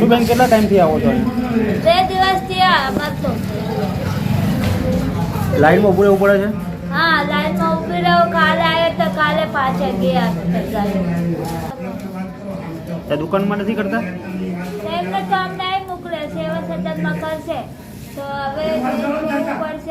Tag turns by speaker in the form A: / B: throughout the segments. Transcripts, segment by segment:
A: બેન કેટલા ટાઈમથી આવો છો?
B: 2 દિવસથી મળતો.
A: લાઈનમાં ઊભું રહેવું પડે છે?
B: હા, લાઈનમાં ઊભી રહું. કાલે આવ્યો તો કાલે પાછા ગયા.
A: દુકાનમાં નથી કરતા?
B: એમને તો અમને અહીં મોકલે, સેવા સદનમાં કરશે તો હવે જવું પડશે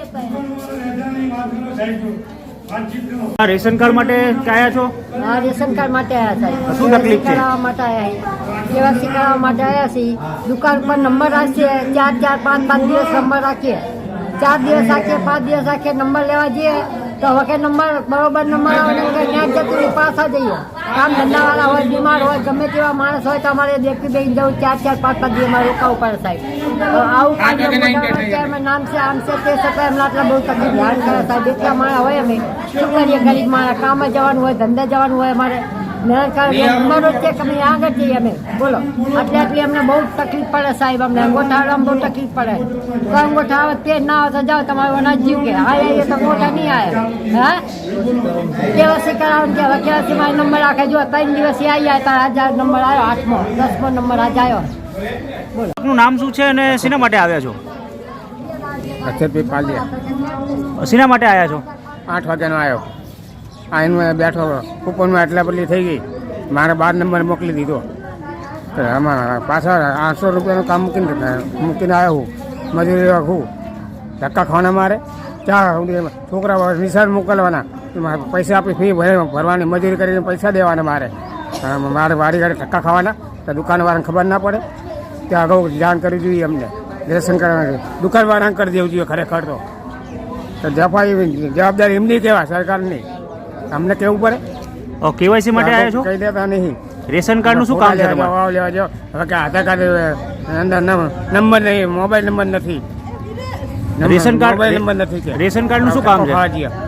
B: પહેલા.
A: રેશન કાર્ડ માટે આવ્યા છો?
C: હા, રેશન કાર્ડ માટે આવ્યા હતા.
A: શું તકલીફ છે?
C: કરાવવા માટે આવ્યા, કેવાયસી કરાવવા માટે આવ્યા છીએ. દુકાન પર નંબર રાખીએ, 4 દિવસ નંબર રાખીએ, 4 દિવસ રાખીએ, 5 દિવસ રાખીએ, નંબર લેવા જઈએ તો વખત નંબર બરોબર નંબર આવે ત્યાં જતું પાછા જઈએ. કામ ધંધાવાળા હોય, બીમાર હોય, ગમે તેવા માણસ હોય તો અમારે દેખી બેસી જવું, 4-5 દિવસ અમારે રોકાવું પડે સાહેબ. આવું કામ નામ છે, આમ છે, તે છતાં એમને આટલા બહુ તકલીફ ધ્યાન કરે સાહેબ. એટલા માણસ હોય અમે શું કરીએ? ગરીબ માણસ, કામે જવાનું હોય, ધંધે જવાનું હોય, અમારે નંબરો છે કે અમે આગળ જઈએ અમે બોલો. આટલી અમને બહુ તકલીફ પડે સાહેબ. અમને અંગોઠાવામાં બહુ તકલીફ પડે. તો અંગોઠા આવે તે ના આવે તો જાઓ તમારું અનાજ જીવ કે આવીએ તો અંગોઠા નહીં આવે. હા, કેવાસી કરાવો કે હવે કેવાસીમાં નંબર રાખે. જો 3 દિવસથી આવી જાય તાર આજ નંબર આવ્યો, 8મો 10મો નંબર આજ આવ્યો. બોલો,
A: આપનું નામ શું છે અને શેના માટે આવ્યા છો?
D: અક્ષરભાઈ પાલિયા.
A: શેના માટે આવ્યા છો?
D: 8 વાગ્યાનો આવ્યો. આઈને બેઠો, કૂપનમાં એટલા બદલી થઈ ગઈ. મારે 12 નંબર મોકલી દીધો. તો આમાં પાછળ 800 રૂપિયાનું કામ મૂકીને આવ્યો હું. મજૂરી રાખું, ધક્કા ખાવાના મારે. છોકરા નિશાળ મોકલવાના, પૈસા આપી ફી ભરવાની, મજૂરી કરીને પૈસા દેવાના મારે. મારે વારી ઘરે ધક્કા ખાવાના. તો દુકાનવાળાને ખબર ના પડે. ત્યાં અગાઉ જાણ કરવી જોઈએ અમને. રેશન કરવાનું દુકાનવાળાને કરી દેવું જોઈએ ખરેખર તો જવાબદારી એમની કહેવાય, સરકારની. અમને કેવું પડે.
A: કેવાયસી માટે આવ્યા છો?
D: કહી દેતા નહીં.
A: રેશન કાર્ડનું શું કામ છે તમારે?
D: લેવા જાઓ. હવે કે આધાર કાર્ડ અંદર નંબર નહીં, મોબાઈલ નંબર નથી.
A: રેશન કાર્ડ
D: મોબાઈલ નંબર નથી.
A: રેશન કાર્ડનું શું કામ છે?